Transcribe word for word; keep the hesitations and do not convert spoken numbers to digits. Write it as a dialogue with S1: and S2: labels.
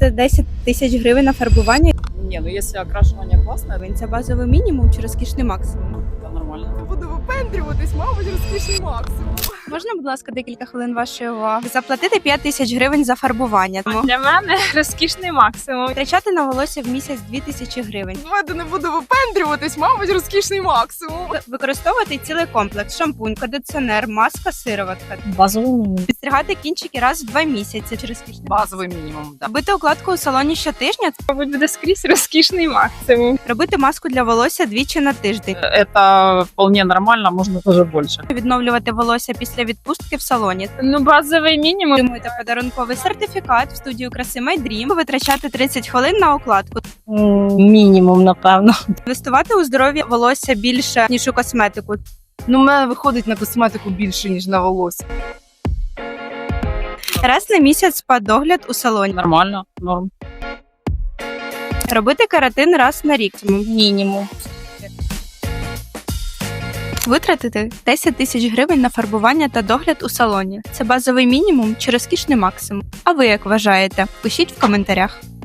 S1: за десять тисяч гривень на фарбування.
S2: Не, ну если окрашивание классное,
S1: Це базовий мінімум чи розкішний максимум?
S2: то нормально.
S3: Буду випендрюватись, мабуть, розкішний максимум.
S1: Можна, будь ласка, декілька хвилин вашої уваги? Заплатити п'ять тисяч гривень за фарбування. Тому
S4: Для мене розкішний максимум.
S1: витрачати на волосся в місяць дві тисячі гривень.
S3: Давайте не буду випендрюватись, мабуть, розкішний максимум.
S1: Використовувати цілий комплекс: шампунь, кондиціонер, маска, сироватка.
S5: Базовий мінімум.
S1: Підстригати кінчики раз в два місяці чи розкішний.
S2: Базовый минимум, да.
S1: Робити укладку у салоні щотижня.
S4: Мабуть, буде скрізь розкішний максимум.
S1: Робити маску для волосся двічі на тиждень.
S2: Это вполне нормально, можно тоже больше.
S1: Відновлювати волосся після відпустки в салоні.
S4: Ну, базовий мінімум.
S1: Отримуєте подарунковий сертифікат в студію краси My Dream. Витрачати тридцять хвилин на укладку.
S5: М, Мінімум, напевно.
S1: Інвестувати у здоров'я волосся більше, ніж у косметику.
S3: Ну, в мене виходить на косметику більше, ніж на волосся.
S1: Раз на місяць спа-догляд у салоні.
S2: Нормально, норм.
S1: Робити кератин раз на рік.
S5: Мінімум.
S1: Витратити десять тисяч гривень на фарбування та догляд у салоні. Це базовий мінімум чи розкішний максимум? А ви як вважаєте? Пишіть в коментарях.